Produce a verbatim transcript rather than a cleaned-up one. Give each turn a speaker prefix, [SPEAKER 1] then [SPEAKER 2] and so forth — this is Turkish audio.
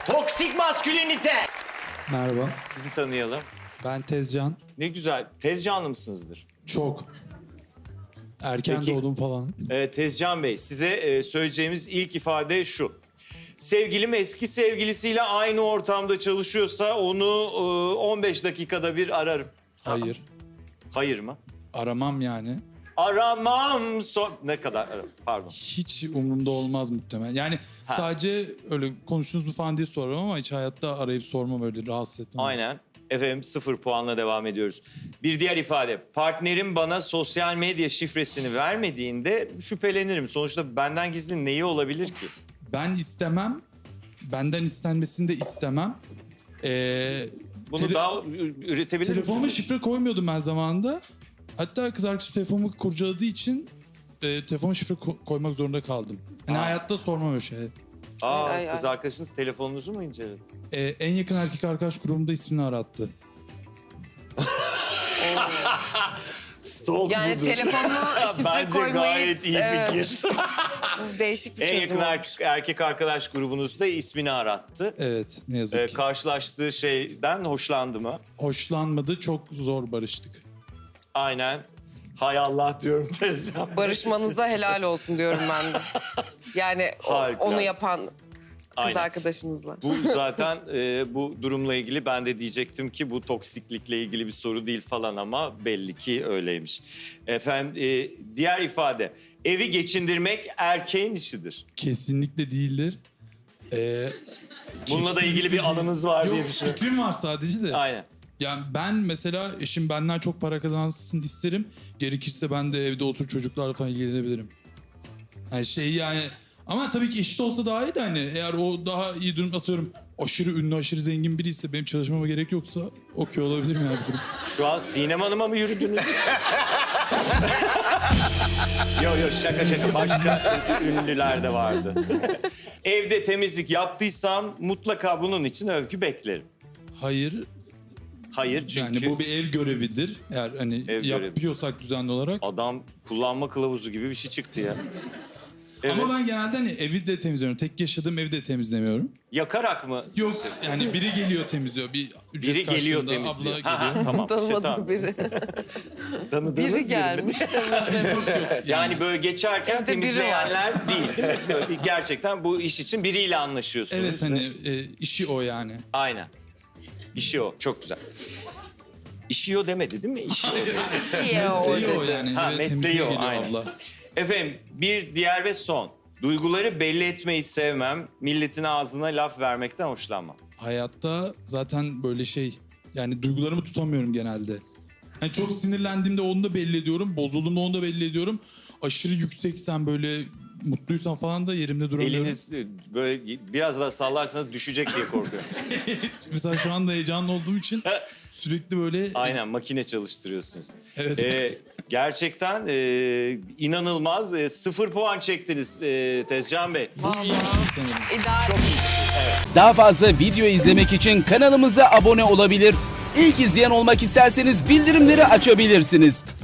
[SPEAKER 1] Toksik maskülinite.
[SPEAKER 2] Merhaba,
[SPEAKER 1] Sizi tanıyalım.
[SPEAKER 2] ben Tezcan.
[SPEAKER 1] Ne güzel. Tezcanlı mısınızdır?
[SPEAKER 2] Çok. Erken
[SPEAKER 1] Peki.
[SPEAKER 2] doğdum falan.
[SPEAKER 1] Ee, Tezcan Bey, size e, söyleyeceğimiz ilk ifade şu. Sevgilim eski sevgilisiyle aynı ortamda çalışıyorsa onu e, on beş dakikada bir ararım.
[SPEAKER 2] Hayır,
[SPEAKER 1] Hayır mı?
[SPEAKER 2] aramam yani.
[SPEAKER 1] Aramam. So ne kadar ararım? Pardon.
[SPEAKER 2] Hiç umurumda olmaz muhtemelen. Yani
[SPEAKER 1] Ha.
[SPEAKER 2] sadece öyle konuştunuz mu falan diye sorarım ama hiç hayatta arayıp sormam, öyle rahatsız etmem.
[SPEAKER 1] Aynen. Efendim sıfır puanla devam ediyoruz. Bir diğer ifade. Partnerim bana sosyal medya şifresini vermediğinde şüphelenirim. Sonuçta benden gizli neyi olabilir ki?
[SPEAKER 2] Ben istemem, benden istenmesini de istemem. Ee,
[SPEAKER 1] Bunu
[SPEAKER 2] tele-
[SPEAKER 1] daha ü- üretebilir
[SPEAKER 2] Telefonuma
[SPEAKER 1] misiniz?
[SPEAKER 2] şifre koymuyordum ben zamanında. Hatta kız arkadaşım telefonumu kurcaladığı için e, telefonuma şifre ko- koymak zorunda kaldım. Hani
[SPEAKER 1] Aa.
[SPEAKER 2] hayatta sormam öyle şey.
[SPEAKER 1] Aa,
[SPEAKER 3] Ay, ay,
[SPEAKER 1] kız
[SPEAKER 3] ay.
[SPEAKER 1] arkadaşınız telefonunuzu mu inceledi?
[SPEAKER 2] Ee, en yakın erkek arkadaş grubumda ismini arattı.
[SPEAKER 1] Stalk
[SPEAKER 3] Yani
[SPEAKER 1] budur.
[SPEAKER 3] telefonuna şifre
[SPEAKER 1] Bence
[SPEAKER 3] koymayı...
[SPEAKER 1] gayet iyi
[SPEAKER 3] Evet,
[SPEAKER 1] fikir.
[SPEAKER 3] bu değişik bir
[SPEAKER 1] En
[SPEAKER 3] çözüm
[SPEAKER 1] yakın
[SPEAKER 3] olmuş.
[SPEAKER 1] er- erkek arkadaş grubunuzda ismini arattı.
[SPEAKER 2] Evet, ne yazık
[SPEAKER 1] Ee,
[SPEAKER 2] ki.
[SPEAKER 1] karşılaştığı şeyden hoşlandı mı?
[SPEAKER 2] Hoşlanmadı, çok zor barıştık.
[SPEAKER 1] Aynen. Hay Allah diyorum Tezcan.
[SPEAKER 3] Barışmanıza helal olsun diyorum ben de. Yani o-
[SPEAKER 1] Harika.
[SPEAKER 3] onu yapan kız
[SPEAKER 1] Aynen.
[SPEAKER 3] arkadaşınızla.
[SPEAKER 1] Bu zaten e, bu durumla ilgili ben de diyecektim ki bu toksiklikle ilgili bir soru değil falan ama belli ki öyleymiş. Efendim e, diğer ifade. Evi geçindirmek erkeğin işidir.
[SPEAKER 2] Kesinlikle değildir. Ee,
[SPEAKER 1] Bununla da
[SPEAKER 2] kesinlikle
[SPEAKER 1] ilgili bir
[SPEAKER 2] değil.
[SPEAKER 1] anınız var
[SPEAKER 2] Yok,
[SPEAKER 1] diye düşünüyorum.
[SPEAKER 2] fikrim var sadece de.
[SPEAKER 1] Aynen.
[SPEAKER 2] Yani ben mesela eşim benden çok para kazansın isterim. Gerekirse ben de evde otur çocuklarla falan ilgilenebilirim. Yani şey yani... Ama tabii ki eşit olsa daha iyi de hani eğer o daha iyi durum, atıyorum aşırı ünlü, aşırı zengin biri ise benim çalışmama gerek yoksa okey olabilir mi yani bu durum?
[SPEAKER 1] Şu an Sinem Hanım'a mı yürüdünüz? Yok yok şaka şaka. Başka ünlüler de vardı. Evde temizlik yaptıysam mutlaka bunun için övgü beklerim.
[SPEAKER 2] Hayır,
[SPEAKER 1] Hayır çünkü
[SPEAKER 2] yani bu bir ev görevidir. Eğer hani
[SPEAKER 1] Ev görevi.
[SPEAKER 2] yapıyorsak düzenli olarak.
[SPEAKER 1] adam kullanma kılavuzu gibi bir şey çıktı ya. Evet.
[SPEAKER 2] Ama ben genelde hani evi de temizliyorum. Tek yaşadığım evi de temizlemiyorum.
[SPEAKER 1] Yakarak mı?
[SPEAKER 2] Yok yani biri geliyor temizliyor. Bir ücret
[SPEAKER 1] Biri geliyor
[SPEAKER 2] karşılığında
[SPEAKER 1] temizliyor.
[SPEAKER 2] abla
[SPEAKER 1] Ha, ha,
[SPEAKER 2] geliyor.
[SPEAKER 1] tamam. işte,
[SPEAKER 3] Tanımadığım
[SPEAKER 1] tamam.
[SPEAKER 3] biri.
[SPEAKER 1] Tanıdığınız
[SPEAKER 3] Biri
[SPEAKER 1] mi?
[SPEAKER 3] gelmiş temizlemiş.
[SPEAKER 1] Yani böyle geçerken
[SPEAKER 3] Evde biri
[SPEAKER 1] temizleyenler değil, değil mi? Böyle bir- gerçekten bu iş için biriyle anlaşıyorsunuz.
[SPEAKER 2] Evet hani e, işi o yani.
[SPEAKER 1] Aynen. İşi o. Çok güzel. İşi o demedi değil mi? İşi o. dedi.
[SPEAKER 3] Şey o
[SPEAKER 2] Mesleği o
[SPEAKER 3] dedi.
[SPEAKER 2] yani.
[SPEAKER 1] Ha,
[SPEAKER 2] Eve
[SPEAKER 1] mesleği
[SPEAKER 2] temizliğe
[SPEAKER 1] o,
[SPEAKER 2] geliyor
[SPEAKER 1] aynen.
[SPEAKER 2] abla.
[SPEAKER 1] Efendim bir diğer ve son. Duyguları belli etmeyi sevmem. Milletin ağzına laf vermekten hoşlanmam.
[SPEAKER 2] Hayatta zaten böyle şey yani duygularımı tutamıyorum genelde. Yani çok sinirlendiğimde onu da belli ediyorum. Bozulduğumda onu da belli ediyorum. Aşırı yükseksen böyle mutluysan falan da yerimde duramıyorum.
[SPEAKER 1] Eliniz e, böyle biraz daha sallarsanız düşecek diye korkuyorum.
[SPEAKER 2] Mesela şu anda heyecanlı olduğum için sürekli böyle...
[SPEAKER 1] Aynen makine çalıştırıyorsunuz.
[SPEAKER 2] Evet.
[SPEAKER 1] Ee, gerçekten e, inanılmaz. E, sıfır puan çektiniz e, Tezcan Bey.
[SPEAKER 2] Bu iyi bir şey sanırım.
[SPEAKER 3] İdare.
[SPEAKER 4] Daha fazla video izlemek için kanalımıza abone olabilir. İlk izleyen olmak isterseniz bildirimleri açabilirsiniz.